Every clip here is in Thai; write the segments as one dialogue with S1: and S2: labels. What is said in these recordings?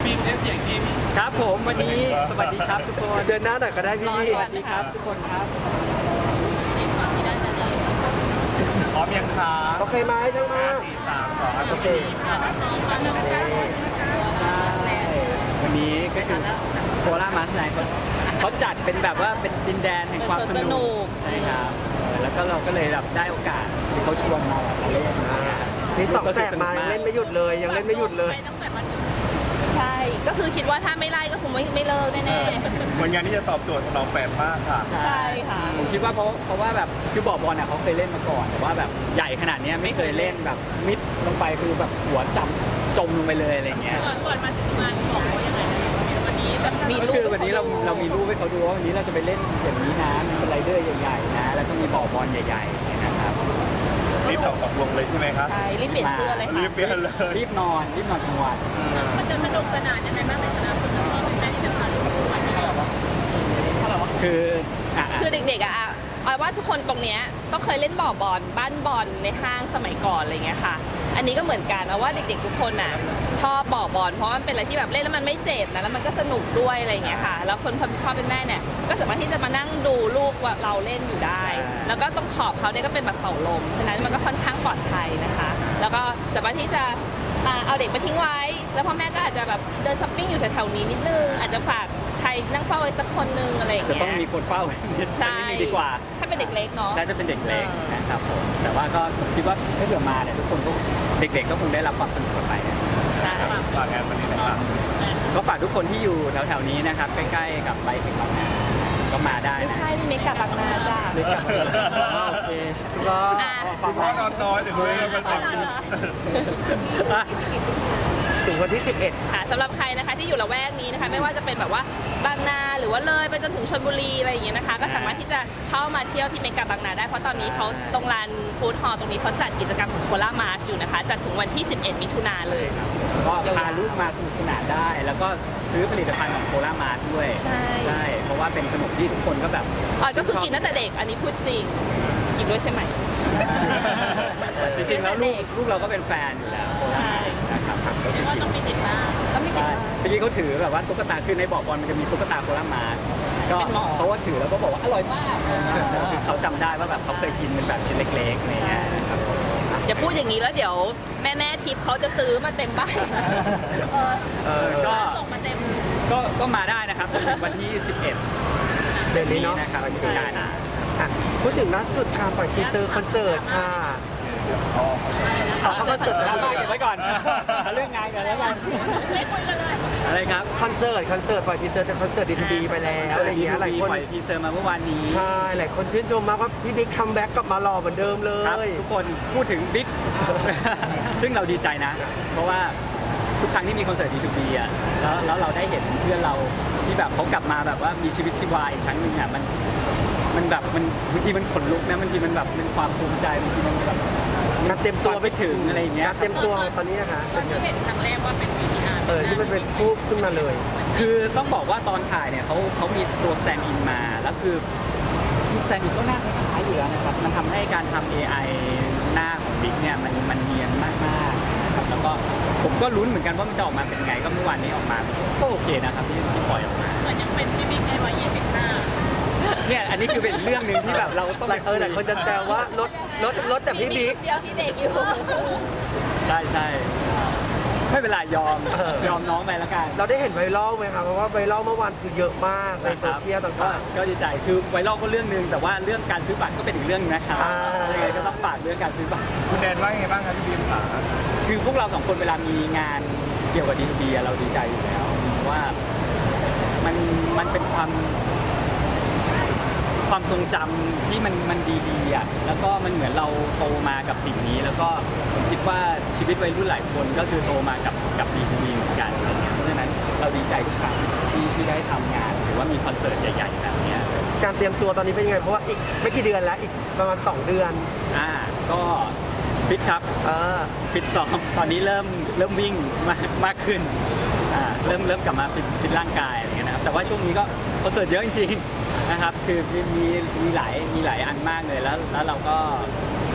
S1: บีมเสียงทีม
S2: ครับผมวันนี้สวัสดีครับทุกคน
S3: เดินหน้าหน่อยก็ได้พี่
S2: สวัสดีครับทุกคนครับ
S1: พร้อมยังคะ
S3: โอเคไหมช่างมา
S1: 4 3 2
S3: โอเค
S2: วันนี้ก็คือโคราชมาสไนเขาจัดเป็นแบบว่าเป็นดินแดนแห่งความสนุกใช่ครับแล้วก็เราก็เลยแบบได้โอกาสที่เขาชวนมาแบบเล่นนะครับ
S3: นี่สองแสบมายังเล่นไม่หยุดเลยยังเล่นไม่หยุดเลย
S4: ใช่ ก็คือคิดว่าถ้าไม่ไล่ก็คงไม่เลิกแน่
S1: วันงานที่จะตอบโจทย์สำหรับแฟนมากค่ะ
S4: ๆ ใช่ค่ะ
S2: ผมคิดว่าเพราะว่าแบบคือบ่อบอลเขาเคยเล่นมาก่อนแต่ว่าแบบใหญ่ขนาดนี้ไม่เคยเล่นแบบมิดลงไปคือแบบหัวจมลงไปเลยอะไรเงี้ย
S4: ก่อนมาถึงงานบอกเขายังไงวันนี้แบบมี
S2: ก็
S4: รูป
S2: คือวันนี้เรามีรูปให้เขาดูว่าวันนี้เราจะไปเล่นอย่างนี้นะมีสไลเดอร์ใหญ่ๆนะแล้วก็มีบ่อบอลใหญ่ๆนะครับ
S1: รีบตกลงเลยใช่ไหมครับ
S4: ใช่รีบเปลี่ยนเสื้อเลย
S1: รี
S4: ค่ะ
S1: บเปลี่ยนเลย
S2: รีบนอนกลางวัน
S4: มันจะสนุกสนานยังไงบ้างในคณะคุณพ่อคุณแม่ที่จะพาลูกมาเที่ยว
S2: คืออ่ะ
S4: คือเด็กๆอะเอาว่าทุกคนตรงเนี้ยต้องเคยเล่นบ่อบอลบ้านบอลในห้างสมัยก่อนอะไรเงี้ยค่ะ อันนี้ก็เหมือนกันเอาว่าเด็กๆทุกคนน่ะชอบบ่อบอลเพราะมันเป็นอะไรที่แบบเล่นแล้วมันไม่เจ็บนะแล้วมันก็สนุกด้วยอะไรเงี้ยค่ะ แล้วคนพ่อเป็นแม่เนี่ยก็สามารถที่จะมานั่งดูลูกว่าเราเล่นอยู่ได้ แล้วก็ตรงขอบเขาเนี่ยก็เป็นแบบเป่าลมฉะนั้นมันก็ค่อนข้างปลอดภัยนะคะ แล้วก็สามารถที่จะเอาเด็กไปทิ้งไว้ แล้วพ่อแม่ก็อาจจะแบบเดินช้อปปิ้งอยู่แถวๆนี้นิดนึงอาจจะฝากใครนั่งเฝ้าไว้สักคนนึงอะไรอย่าง
S2: จะ
S4: เงี้ย
S2: ต้องมีคนเฝ้านิด
S4: ใช่
S2: นึงดีกว่า
S4: ถ้าเป็นเด็กเล็กเนาะ
S2: น่าจะเป็นเด็กเล็กนะครับผมแต่ว่าก็คิดว่าถ้าเกิดมาเนี่ยทุกคนก็เด็กๆก็คงได้รับความสนุกกันไปนะ
S4: ใช่
S1: ฝากงานวันนี้นะครับ
S2: ก็ฝากทุกคนที่อยู่แถวๆนี้นะครับใกล้ๆกับไบค์ถึงบางนาก็มาได้
S4: ไม่
S2: นะ
S4: ใช่นี่เมกะบางนาจ้า
S2: เล็กกับโอเค
S3: ก็
S1: คุณพ่อนอนน้อยเดี๋ยวดูให้มัน
S4: อ๋อเหรอ
S2: อ่ะ
S3: ถึงวันที่
S4: สำหรับใครนะคะที่อยู่ละแวกนี้นะคะไม่ว่าจะเป็นแบบว่าบางนาหรือว่าเลยไปจนถึงชลบุรีอะไรอย่างเงี้ยนะคะก็สามารถที่จะเข้ามาเที่ยวที่เมกะบางนาได้เพราะตอนนี้เขาตรงลานฟู้ดฮอลล์ตรงนี้เขาจัดกิจกรรมของโคราชมาร์ชอยู่นะคะจัดถึงวันที่ 11 มิถุนายนเลย
S2: ก็พาลูกมาสนุกสนานได้ แล้วก็ซื้อผลิตภัณฑ์ของโครามาร์ทด้วย
S4: ใช่
S2: เพราะว่าเป็นขนมที่ทุกคนก็แบบ
S4: ก็คือกินตั้งแต่เด็กอันนี้พูดจริงกินด้วยใช่ไหม
S2: จริงๆแล้วลูกเราก็เป็นแฟนอยู่แล้วโคราชนะครับก็คือ
S4: ว่าต้องมีติดบ้างต้องมีติด
S2: ใช่
S4: บ้าง
S2: เมื่อกี้เขาถือแบบว่าตุ๊กตาคือในบ่อบอลมันจะมีตุ๊กตาโคราชมาร์ทก็
S4: เป็นหมอ
S2: เขาว่าถือแล้วก็บอกว่าอร่อยมากคือเขาจำได้ว่าแบบเขาเคยกินเป็นแบบชิ้นเล็กๆอะไรเงี้ยนะครับ
S4: อย่าพูดอย่างนี้แล้วเดี๋ยวแม่ทิพย์เขาจะซื้อมาเต็มบ้าน
S2: ก็
S4: ส่งมาเต็ม
S2: ก็มาได้นะครับจนถึงวันที่ 11
S3: เดือนนี้เนาะ
S2: นะครับวันที่การ
S3: อ่ะพูดถึงล่าสุดค่ะปล่อยทีเซอร์คอนเสิร์ตค่ะคอนเสิร์ต
S2: ดราม่าเก็บไว้ก่อนเอาเรื่องงานกันแล้วกัน
S4: ไม่คุยกันเลย
S2: อะไรครับ
S3: คอนเสิร์ตปล่อยทีเซอร์จากคอนเสิร์ตดีไปแล้วอะไรอย่างเงี้ยหลายคน
S2: ปล่อยทีเซอร์มาเมื่อวานนี้
S3: ใช่หลายคนชื่นชมมากว่าพี่บิ๊กคัมแบ็กกลับมาหล่อเหมือนเดิมเล
S2: ครับ
S3: ย
S2: ทุกคนพูดถึงบิ๊ก ซึ่งเราดีใจนะ เพราะว่าทุกครั้งที่มีคอนเสิร์ต D2B อ่ะแล้วเราได้เห็นเพื่อนเราที่แบบเขากลับมาแบบว่ามีชีวิตชีวาอีกครั้งหนึ่งอ่ะมันแบบมันบางทีมันขนลุกนะบางทีมันแบบเป็นความภูมิใจบางทีมันแบบ
S3: นัดเต็มตัว
S2: ไปถึงอะไรอย่างเงี้ย
S3: นัดเต็มตัวตอนนี้นะคะ
S4: ตอนที่เห็นครั้งแรกว่าเป็น VTR
S3: ที่มันเป็นพูดขึ้นมาเลย
S2: คือต้องบอกว่าตอนถ่ายเนี่ยเขามีตัวสแตนด์อินมาแล้วคือสแตนด์อินก็หน้าคล้ายๆอยู่แล้วนะครับมันทำให้การทำ AI หน้าของบิ๊กเนี่ยมันเนียนมากๆนะครับแล้วก็ผมก็ลุ้นเหมือนกันว่ามันจะออกมาเป็นไงก็เมื่อวานนี้ออกมาก็โอเคนะครับที่ปล่อยออกมา
S4: เหมือนยังเป็นพี่บิ๊กในวัย25
S2: เนี่ยอันนี้คือเป็นเรื่องหนึ่งที่แบบเราต้อง
S3: หลายคนจะแซวว่ารถแต่พี่บิ๊ก
S4: เดียวที่เด็กอยู่
S2: ใช่ไม่เป็นไรยอมน้องไปแล้วกัน
S3: เราได้เห็นไวรัลไหมคะเพราะว่าไวรัลเมื่อวานคือเยอะมากในโซเชียลต่าง
S2: ก็ดีใจคือไวรัลก็เรื่องหนึงแต่ว่าเรื่องการซื้อบัตรก็เป็นอีกเรื่องนึงนะครับ
S3: อ่า
S2: ยังไงก็ต้องฝากเรื่องการซื้อบัตร
S1: คุณแดนว่ายังไงบ้างครับพี่บีมขา
S2: คือพวกเราสองคนเวลามีงานเกี่ยวกับดีบีเราดีใจอยู่แล้วเพราะว่ามันเป็นความทรงจำที่มันดีๆอ่ะแล้วก็มันเหมือนเราโตมากับสิ่งนี้ แล้วก็ผมคิดว่าชีวิตวัยรุ่นหลายคนก็คือโตมากับดีบีเหมือนกันอะไรเงี้ยเพราะฉะนั้นเราดีใจทุกครั้งที่ได้ทำงานหรือว่ามีคอนเสิร์ตใหญ่ๆแบบเนี้ย
S3: ๆการเตรียมตัวตอนนี้เป็นยังไงเพราะว่าอีกไม่กี่เดือนแล้วอีกประมาณ2 เดือน
S2: ก็ฟิตครับ
S3: เออ
S2: ฟิตซ้อมตอนนี้เริ่มวิ่งมากขึ้นเริ่มกลับมาฟิตร่างกายอะไรเงี้ยนะครับแต่ว่าช่วงนี้ก็คอนเสิร์ตเยอะจริงๆนะครับคือมีหลายอันมากเลยแล้วเราก็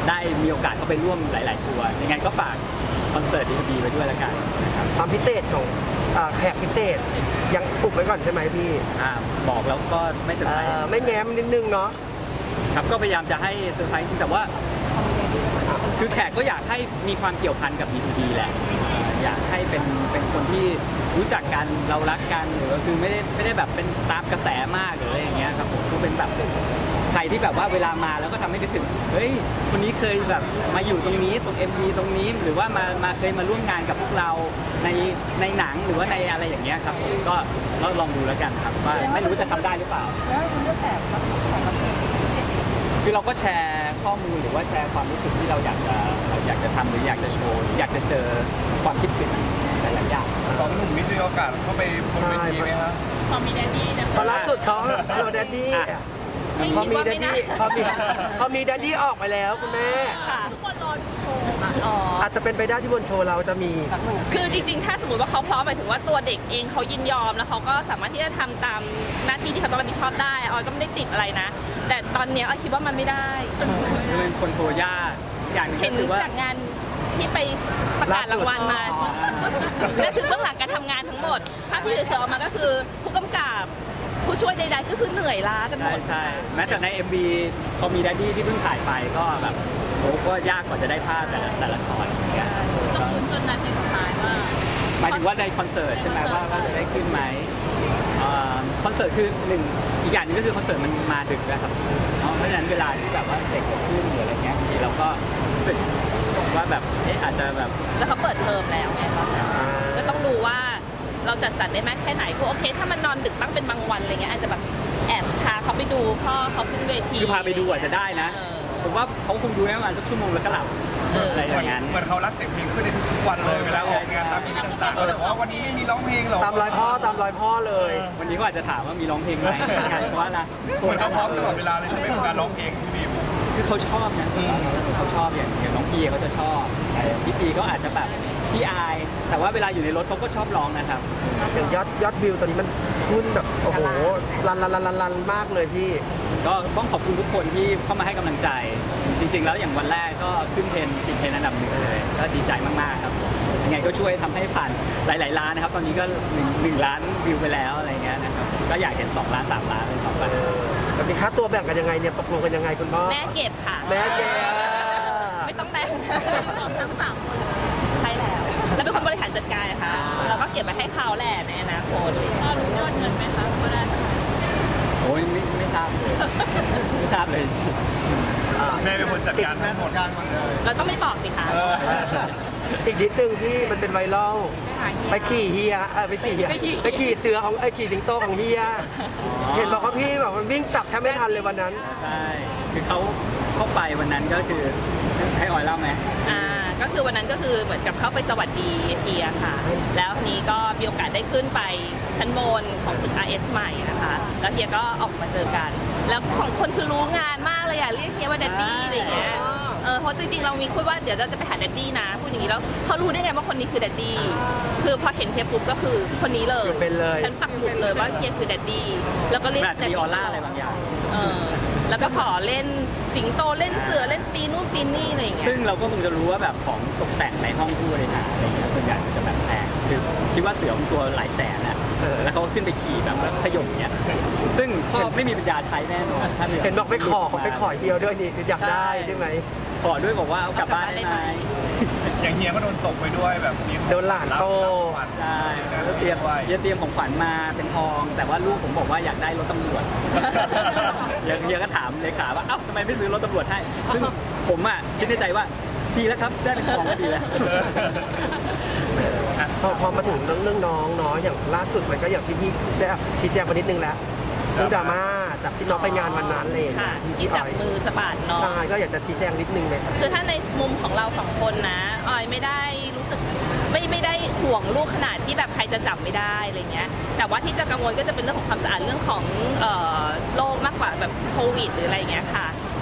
S2: ได้มีโอกาสเข้าไปร่วมหลาย ๆ ตัวยังไงก็ฝากคอนเสิร์ต D2B ไว้ด้วยแล้วกันนะครับ
S3: ความพิเศษของแขกพิเศษยังอุบไว้ก่อนใช่ไหมพี่
S2: บอกแล้วก็ไม่เซอร์ไพรส์
S3: ไม่แง้มนิดนึงเนาะ
S2: ครับก็พยายามจะให้เซอร์ไพรส์แต่ว่าคือแขกก็อยากให้มีความเกี่ยวพันกับ D2B แหละอยากให้เป็นคนที่รู้จักกันเรารักกันหรือว่าคือไม่ได้แบบเป็นตามกระแสมากหรืออะไรอย่างเงี้ยครับผมคือเป็นแบบใครที่แบบว่าเวลามาแล้วก็ทำให้นึกถึงเฮ้ยคนนี้เคยแบบมาอยู่ตรงนี้ตรง MV ตรงนี้หรือว่ามาเคยมาร่วมงานกับพวกเราในหนังหรือว่าในอะไรอย่างเงี้ยครับผมก็ลองดูแล้วกันครับว่าไม่รู้จะทำได้หรือเปล่า
S5: แล้วคุณเลือกแขกรับเชิญ
S2: คือเราก็แชร์ข้อมูลหรือว่าแชร์ความรู้สึกที่เราอยากจะทำหรืออยากจะโชว์หรืออยากจะเจอความคิดถึงหลายๆอย่าง
S1: สองหนุ่มนี่มีโอกาสเข้าไปบนเวทีไหมครับ
S4: พอมีแดดดี้นะ
S3: ตอนล่าสุดเขาโดนแดดดี้
S4: ไม่
S3: พอ
S4: คิด
S3: มี
S4: ว่า
S3: แด
S4: ไม่
S3: ด
S4: น่า
S3: ดี้พอมีแดดดี้ออกไปแล้วคุณแม่
S4: ค่ะทุกคนรอดูโชว์อ๋อ
S3: อาจจะเป็นไปได้ที่บนโชว์เราจะมี
S4: คือจริงๆ ถ้าสมมติว่าเขาพร้อมหมายถึงว่าตัวเด็กเองเขายินยอมแล้วเขาก็สามารถที่จะทำตามหน้าที่ที่เขาต้องรับผิดชอบได้ออยก็ไม่ได้ติดอะไรนะ แต่ตอนเนี้ยออยคิดว่ามันไม่ได้
S2: คือเป็นคนโชว์ยากอย่างหนึง
S4: เห็
S2: ก็
S4: น
S2: คือว่า
S4: จากงานที่ไปประกาศรางวัลมานั่นคือเบื้องหลังการทำงานทั้งหมดภาพที่เสือออกมาก็คือผู้กำกับผู้ช่วยใดๆก็คือเหนื่อยล้ากันหม
S2: ใช่
S4: ด
S2: ใช่แม้แต่ใน MV พอมีแดดดี้ที่เพิ่งถ่ายไปก็แบบโอ้ก็ยากกว่าจะได้ภาพแต่ละช็อตอย่างเงี้ย
S4: ต้องลุ้นจนนาทีสุดท้ายว่า
S2: หมายถึงว่าในคอนเสิร์ตใช่ไหมว่าจะได้ขึ้นไหมคอนเสิร์ตคือหนึ่งอีกอย่างหนึงก็คือคอนเสิร์ตมันมาดึกนะครับเพราะฉะนั้นเวลาที่แบบว่าเด็กจะขึ้นหรืออะไรเงี้ยบางทีเราก็รู้สึกว่าแบบอาจจะแบบ
S4: แล้วเขาเปิดเทอมแล้วไงคะก็ต้องดูว่าเราจัดสรรได้มากแค่ไหนคือโอเค ถ้ามันนอนดึกบ้างเป็นบางวันอะไรเงี้ยอาจจะแบบแอบพาเขาไปดูพ่อเขาขึ้นเวที
S2: คือพาไปดูอาจจะได้นะ
S4: เออ
S2: ผมว่าเขาคงดูได้ประมาณสักชั่วโมงแล้วก็หลับ อะไรอย่างนั้น
S1: เหมือนเขารักเสียงเพลงขึ้นในทุกๆวันเลยเวลาออกงานตามที่ต่างๆเขาเลยบอกว่าวันนี้ไม่มีร้องเพลงหรอก
S3: ตามรอยพ่อเลย
S2: วันนี้ก็อาจจะถามว่ามีร้องเพลงไหมงานเพราะว่านะ
S1: เหมือนเขาพร้อมตลอดเวลาเลยใช่ไหมกับการร้องเพลงพี่บีม
S2: คือเขาชอบนะเขาชอบอย่างน้องพีเขาจะชอบพี่ปีก็อาจจะแบบพี่อาย แต่ว่าเวลาอยู่ในรถเขาก็ชอบร้องนะครับ
S3: อย่างยอดวิวตอนนี้มันขึ้นแบบโอ้โหลันมากเลยพี่
S2: ก็ต้องขอบคุณทุกคนที่เข้ามาให้กำลังใจ จริง ๆ แล้วอย่างวันแรกก็ขึ้นติดเทรนด์อันดับหนึ่งเลย ก็ดีใจมากๆครับยังไงก็ช่วยทำให้ผ่านหลายๆล้านนะครับ ตอนนี้ก็1 ล้านวิวไปแล้วอะไรเงี้ยนะครับก็อยากเห็น2 ล้าน 3 ล้านเลยต่อไป
S3: แต่มีค่าตัวแบ่งกันยังไงเนี่ยตกลงกันยังไงคุณพ่อ
S4: แม่เก็บค่ะ
S3: แม่เก็บ
S4: ไม่ต้องแบ่งทั้งสามคนใช่แล้ว แล้วเป็นคนบริหารจัดการนะคะเราก็เก็บไว้ให้เขาแหละในอนาคตพ่อรู้ยอดเงินไหมคะว่าได้
S2: โอ้ยไม่ทราบเลยไม่ทราบเลย
S1: แม่เป็นคนจัดการทั้งหมด
S4: เราต้องไม่บอกสิคะ
S3: อีกนิดนึงที่มันเป็นไวรัลไปขี่เฮียไปขี่เสือของขี่สิงโตของเฮีย เห็นบอกว่าพี่แบบมันวิ่งจับแทบไม่ทันเลยวันนั้น
S2: ใช่ คือเขาเข้าไปวันนั้นก็คือให้ออยเล่าไหม
S4: ก็คือวันนั้นก็คือเหมือนกับเข้าไปสวัสดีเฮียค่ะ แล้วทีนี้ก็มีโอกาสได้ขึ้นไปชั้นบนของตึก RS ใหม่นะคะ แล้วเฮียก็ออกมาเจอกัน แล้วสองคนคือรู้งานมากเลยอะเรียกเฮียว่าแดดดี้อะไรอย่างเงี้ย เพราะจริงๆ เรามีคุยว่าเดี๋ยวเราจะไปหาแดดดี้นะพูดอย่างนี้แล้วเขารู้ได้ไงว่าคนนี้คือแดดดี้คือพอเห็นเฮียปุ๊บก็คือคนนี้เลย
S3: คือเป็นเลย
S4: ฉันปักหมุดเลยว่าเฮียคือแดดดี้แล้วก็เรียก
S2: แบบ
S4: แดด
S2: มี
S4: ดี้
S2: ออร่าอะไรบางอย่าง
S4: แล้วก็ขอเล่นสิงโตเล่นเสือเล่นปีนู่นปีนี่อะไรอย่างเงี้ย
S2: ซึ่งเราก็คงจะรู้ว่าแบบของตกแต่งในห้องผู้บริหารอะไรเงี้ยส่วนใหญ่มันจะแบบแพงคือคิดว่าเสือมันตัวหลายแสนนะแล้วเขาก็ขึ้นไปขี่แบบแล้วขย่มเงี้ยซึ่งพ่อไม่มีปัญญาใช้แน่นอนถ้าเรือ
S3: เห็นบอกไปขอเดียวด้วยนี่อยากได้ใช่ไหม
S2: ขอด้วยบอกว่าเอากลับบ้านได้ไหม
S1: อย่างเฮียก็โดนตกไปด้วยแบบมี
S3: โดนหลานโต
S2: ใช่แล้วเตรียมของขวัญมาเป็นทอง แต่ว่าลูกผมบอกว่าอยากได้รถตำรวจ เฮียก็ถามเลขาว่าเอ้าทำไมไม่ซื้อรถตำรวจให้ซึ่งผมอ่ะคิดในใจว่าดีแล้วครับได้เป็นทองก็ดีแล้ว
S3: พอมาถึงเรื่องน้องเนาะอย่างล่าสุดมันก็อย่างที่พี่ได้ชี้แจงไปนิดนึงแล้วเรื่องดราม่าจากที่น้องไปงานวันนั้นเลย
S4: ค่ะ
S3: พี่
S4: ที่
S3: อ
S4: จับ
S3: อย
S4: มือสะบัดเนาะ
S3: ใช่ก็อยากจะชี้แจงนิดนึงเลยครับ
S4: คือถ้าในมุมของเราสองคนนะออยไม่ได้รู้สึกไม่ได้ห่วงลูกขนาดที่แบบใครจะจับไม่ได้อะไรเงี้ยแต่ว่าที่จะกังวลก็จะเป็นเรื่องของความสะอาดเรื่องของโรคมากกว่าแบบโควิดหรืออะไรเงี้ยค่ะ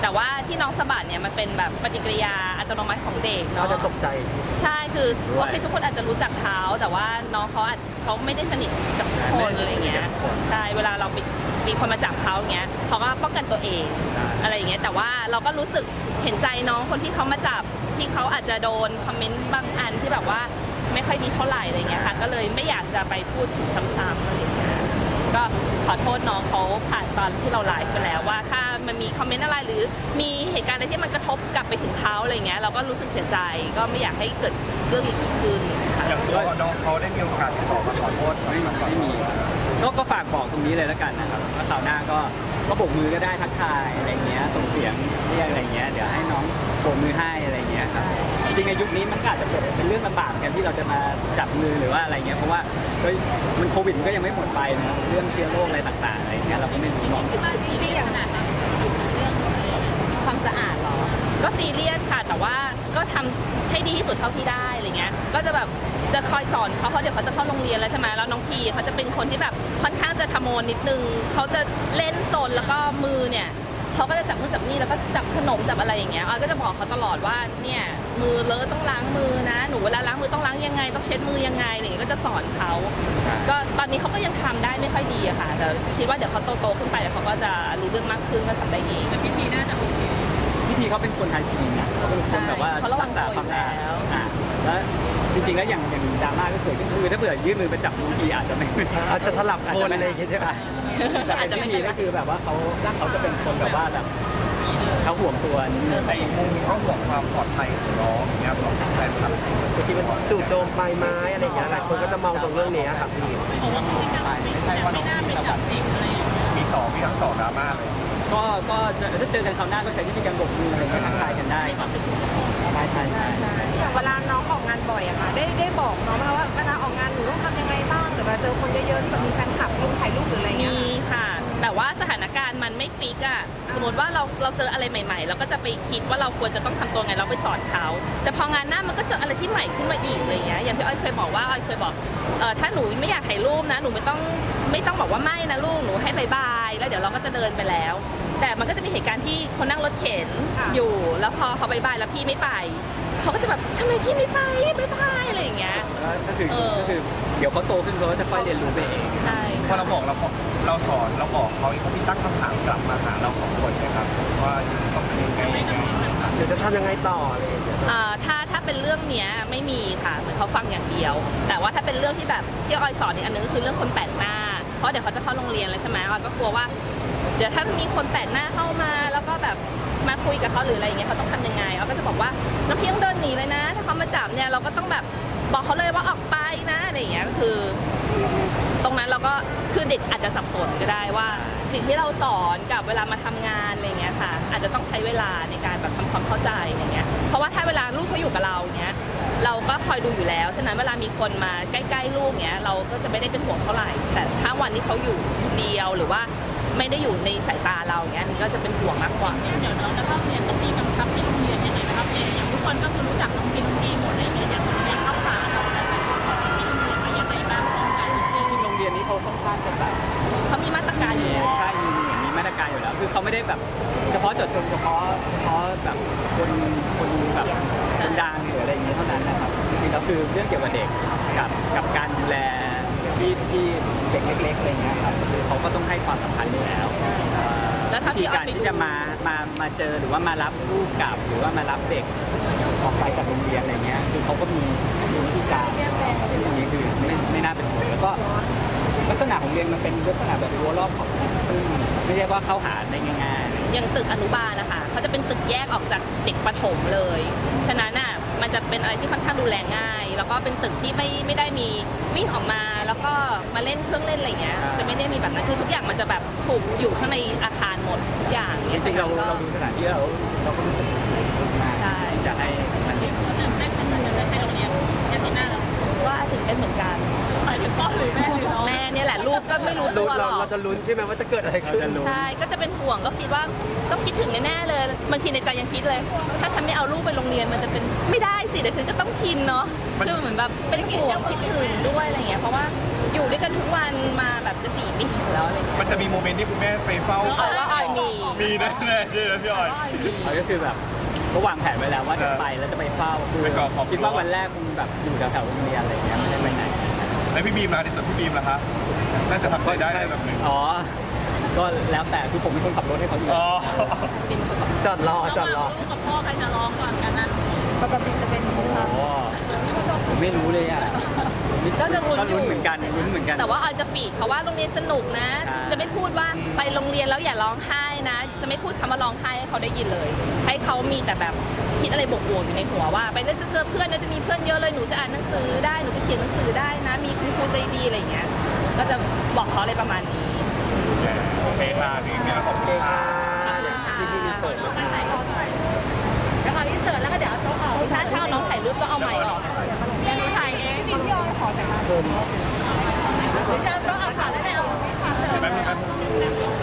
S4: แต่ว่าที่น้องสะบัดเนี่ยมันเป็นแบบปฏิกิริยาอัตโนมัติของเด็ก
S3: เขา
S4: เนาะ
S3: จะตกใจ
S4: ใช่คือโอเคทุกคนอาจจะรู้จักเขาแต่ว่าน้องเขาไม่ได้สนิทกับทุกคนอะไรเงี้ยใช่เวลาเรามีคนมาจับเขาอย่างเงี้ยเขาก็ป้องกันตัวเองอะไรอย่างเงี้ยแต่ว่าเราก็รู้สึกเห็นใจน้องคนที่เขามาจับที่เขาอาจจะโดนคอมเมนต์บางอันที่แบบว่าไม่ค่อยดีเท่าไหร่อะไรเงี้ยค่ะก็เลยไม่อยากจะไปพูดถึงซ้ำๆอะไรเงี้ยก็ขอโทษน้องเขาผ่านตอนที่เราไลฟ์ไปแล้วว่าถ้ามันมีคอมเมนต์อะไรหรือมีเหตุการณ์อะไรที่มันกระทบกลับไปถึงเขาอะไรเงี้ยเราก็รู้สึกเสียใจก็ไม่อยากให้เกิดเรื่องอีกขึ้นค่ะ
S1: อย่างตัวน้องเขาได้มีโอกาสติดต่อมาขอโทษ
S2: ไม่มีก็ฝากบอกตรงนี้เลยแล้วกันนะครับว่าคราวหน้าก็โบกมือก็ได้ทักทายอะไรเงี้ยส่งเสียงเรียกอะไรเงี้ยเดี๋ยวให้น้องโบกมือให้อะไรเงี้ยครับจริงในยุคนี้มันก็อาจจะเป็นเรื่องลำบากกันที่เราจะมาจับมือหรือว่าอะไรเงี้ยเพราะว่ามันโควิดมันก็ยังไม่หมดไปนะเรื่องเชื้อโรคอะไรต่างๆอะไรเงี้ยเราก็ไม่รู้หรอก
S4: จริงๆอย่างขนาดนั้นความสะอาดเหรอ ก็ซีเรียสค่ะ แต่ว่าก็ทำให้ดีที่สุดเท่าที่ได้อะไรเงี้ย ก็จะแบบจะคอยสอนเขาเพราะเดี๋ยวเขาจะเข้าโรงเรียนแล้วใช่ไหมแล้วน้องพีเขาจะเป็นคนที่แบบค่อนข้างจะทะโมนนิดนึงเขาจะเล่นโซนแล้วก็มือเนี่ยเขาก็จะจับนู่นจับนี่แล้วก็จับขนมจับอะไรอย่างเงี้ยออยก็จะบอกเขาตลอดว่าเนี่ยมือเลอะต้องล้างมือนะหนูเวลาล้างมือต้องล้างยังไงต้องเช็ดมือยังไงอะไรอย่างเงี้ยก็จะสอนเขาก็ตอนนี้เขาก็ยังทำได้ไม่ค่อยดีอะค่ะแต่คิดว่าเดี๋ยวเขาโตๆขึ้นไปเดี๋ยวเขาก็จะรู้เรื่องมากขึ้นก็ทำได้เองแต่พี่พีน่าจะโอเค
S2: พิธีเขาเป็นคนไทยจริงนะเขาเป็นคนแบบว่า
S4: เขาระวังตัวอยู่แล้ว
S2: แล้วจริงๆแล้วอย่างดราม่าก็เกิดขึ้นคือถ้าเผื่อยื่นมือไปจับบางทีอาจจะไม่
S3: อาจจะสลับคนอะไรอย่างเงี้ยใช่ไหม
S2: แต่เป็นพิธีก็คือแบบว่าเขาจะเป็นคนแบบว่าแบบเขาห่วงตัวนิดนึง
S1: ในอีกมุมเขาห่วงความปลอดภัยของน้องอย่างเงี้ยของแฟนคลับ
S3: ที่มันจู่โจมใบไม้อะไรอย่างเงี้ยหลายคนก็จะมองตรงเรื่องนี้ครับพี่
S1: ไม่ใช่ว่าน้องมีระดับมีทั้งสองดราม่าเลย
S2: ก็ถ้าเจอกันคราวหน้าก็ใช้วิธีการโบกมืออะไรเงี้ยทักทายกันได้ครับใช่
S5: อย่างเวลาน้องออกงานบ่อยอะค่ะได้บอกน้องไหมคะว่าเวลาออกงานหนูต้องทำยังไงบ้างหรือเวลาเจอคนเยอะๆที่แบบมีแฟนคลับลงถ่ายรูปหรืออะไรเงี้ย
S4: มีค่ะ แต่ว่าสถานการณ์มันไม่ฟิกอะสมมติว่าเราเจออะไรใหม่ๆ เราก็จะไปคิดว่าเราควรจะต้องทำตัวไงเราไปสอนเขาแต่พองานหน้ามันก็เจออะไรที่ใหม่ขึ้นมาอีกอะไรเงี้ยอย่างที่อ้อยเคยบอกว่าอ้อยเคยบอกถ้าหนูไม่อยากถ่ายรูปนะหนูไม่ต้องบอกว่าไม่นะลูกหนูให้บายแล้วเดี๋ยวเราก็จะเดินไปแล้ว แต่มันก็จะมีเหตุการณ์ที่คนนั่งรถเข็นอยู่แล้วพอเขาบายแล้วพี่ไม่ไปเขาก็จะแบบทำไมพี่ไม่ไปอะไรอย่างเงี้ย
S2: ก็คือเดี๋ยวเขาโตขึ้นเขาก็จะค่อยเรียนรู้ไปเอง
S4: ใช่
S1: พอเราบอกเราสอนเราบอกเขาเขามีตั้งคำถามกลับมาหาเราสองคนนะครับว่าต้องเป็นยังไง
S3: เดี๋ยวจะทำยังไงต่ออะไรอย่างเงี้ย
S4: ถ้าเป็นเรื่องเนี้ยไม่มีค่ะเหมือนเขาฟังอย่างเดียว แต่ว่าถ้าเป็นเรื่องที่แบบที่ออยสอนอีกอันนึงก็คือเรื่องคนแปลกหน้าเพราะเดี๋ยวเขาจะเข้าโรงเรียนแล้วใช่ไหมออยก็กลัวว่าเดี๋ยวถ้ามีคนแปลกหน้าเข้ามาแล้วก็แบบมาคุยกับเขาหรืออะไรอย่างเงี้ยเขาต้องทำยังไงออยก็จะบอกว่าน้องพี่ต้องเดินหนีเลยนะ ถ้าเขามาจับเนี่ยเราก็ต้องแบบบอกเขาเลยว่าออกไปนะอะไรอย่างเงี้ยก็คือ ตรงนั้นเราก็คือเด็กอาจจะสับสนก็ได้ว่าสิ่งที่เราสอนกับเวลามาทำงานอะไรเงี้ยค่ะอาจจะต้องใช้เวลาในการแบบทำความเข้าใจอะไรเงี้ยเพราะว่าถ้าเวลาลูกเขาอยู่กับเราเนี้ยเราก็คอยดูอยู่แล้วฉะนั้นเวลามีคนมาใกล้ๆลูกเนี้ยเราก็จะไม่ได้เป็นห่วงเท่าไหร่แต่ถ้าวันที่เขาอยู่เดียวหรือว่าไม่ได้อยู่ในสายตาเราเนี้ยก็จะเป็นห่วงมากกว่า
S6: เดี๋ยวน้องจะเข้าเรียนต้องมีกำชับที่โรงเรียนยังไงนะครับอย่างทุกคนก็คือรู้จักน้องพีหมดเลยเนี่ยอย่างเข้าขาเราจะเป็นคนที่โรงเรียนมายังไงบ้างป้องกัน
S2: จริงๆโรงเรียนนี้เขาค่อนข้างจะแบบ
S4: เขามีมาตรการอยู่แล้ว
S2: ใช่มีมาตรการอยู่แล้ว คือเขาไม่ได้แบบเฉพาะเจาะจงเฉพาะแบบคนแบบคนดังหรืออะไรอย่างเงี้ยเท่านั้นนะครับจริงๆแล้วคือเรื่องเกี่ยวกับเด็กกับการดูแลที่เด็กเล็กๆอะไรเงี้ยครับคือเขาก็ต้องให้ความสำคัญอยู่แล้ว
S4: แล้วถ้า
S2: วิธีการที่จะมาเจอหรือว่ามารับลูกกลับหรือว่ามารับเด็กออกไปจากโรงเรียนอะไรเงี้ยคือเขาก็มีวิธีการตรงนี้คือไม่น่าเป็นห่วงแล้วก็ลักษณะของเรียนมันเป็นลักษณะแบบรั้วรอบของซึ่งไม่ใช่ว่าเข้าหาได้ง่ายๆ
S4: อย่างตึกอนุบาลนะคะเขาจะเป็นตึกแยกออกจากเด็กประถมเลย ฉะนั้นน่ะมันจะเป็นอะไรที่ค่อนข้างดูแลง่าย แล้วก็เป็นตึกที่ไม่ได้มีวิ่งออกมาแล้วก็มาเล่นเครื่องเล่นอะไรเงี้ยจะไม่ได้มีแบบนั้นคือทุกอย่างมันจะแบบถูกอยู่ข้างในอาคารหมดทุกอย่าง
S2: จริงๆเราดูสถานที่แล้วเราก็รู้สึกมากที่จะให้มันเรียน
S6: ตื่นเต้นขนาดนั้นไปโรงเรียนอย่างที่หน้าเรา
S4: ว่าถึงเป็นเหมือนกัน
S6: หมายถึงพ่อหรือแม่หรือน้อง
S4: แม่เนี่ยแหละลูกก็ไม่รู้ตัวหรอก
S3: เราจะลุ้นใช่ไหมว่าจะเกิดอะไรขึ้น
S4: ใช่ก็จะเป็นห่วงก็คิดว่าต้องคิดถึงแน่ๆเลยบางทีในใจยังคิดเลย ถ้าฉันไม่เอาลูกไปโรงเรียนมันจะเป็นไม่ได้สิเดี๋ยวฉันก็ต้องชินเนาะคือเหมือนแบบเป็นห่วงคิดถึงด้วยอะไรเงี้ยเพราะว่าอยู่ด้วยกันทุกวันมาแบบจะ4 ปีแล้วอะไรเงี้ย
S1: มันจะมีโมเมนต์ที่คุณแม่ไปเฝ้า
S4: ออยว่าออยมี
S1: มีแน่ๆใช่ไหมพี่ออย
S2: เขาก็คือแบบก็วางแผนไว้แล้วว่าจะไปแล้วจะไปเฝ้าคือ
S1: ไปก่อนขอบคุณ
S2: คิดว่าวันแรกคงแบบอยู่แถวๆโรงเรียนอะไรเงี้ยไม่ได้ไปไหน
S1: แล้วพี่บีมล่ะในส่วนพี่บีมล่ะคะน่าจะทำใจได้ในระดับหนึ่ง
S2: อ๋อ ก็แล้วแต่คือผมเป็นคนขับรถให้เขาอยู่
S1: อ๋อ
S3: จอดรอ
S6: ลูกกับพ่อใครจะร้องก่อนกันนั้น
S5: ปกติจะเป็น
S2: โอ้ผมไม่รู้เลยอ่ะ
S4: ก็จะลุ้นอยู่
S2: ลุ้นเหมือนกันลุ้นเหมือนกัน
S4: แต่ว่าออยจะฟีดเขาว่าโรงเรียนสนุกนะ
S2: ใช่
S4: จะไม่พูดว่าไปโรงเรียนแล้วอย่าร้องไห้นะ จะไม่พูดคำว่าร้องไห้ให้เขาได้ยินเลย ให้เขามีแต่แบบคิดอะไรบวกๆอยู่ในหัวว่า ไปแล้วจะเจอเพื่อนนะจะมีเพื่อนเยอะเลยหนูจะอ่านหนังสือได้หนูจะเขียนหนังสือได้นะ มีคุณครูใจดีอะไรอย่างเงี้ยก็จะบอกเขาอะไรประมาณนี้
S1: โอเคค่ะพี่บีมขอบคุณค่ะ
S3: พี่อินเสิร์ต
S5: แล้วเอาอินเสิร์ตแล้วก็เดี๋ยวเอาโต๊ะออก
S4: ถ้าเอาน้องถ่ายรูปก็เอาไมค์ออก
S5: เดี๋ยวหนูถ่ายเองพี่ยอขอแต่ละหรือจะเอาโต๊ะออกก่อนแล้วเดี๋ยวเอา
S1: แป๊บนึง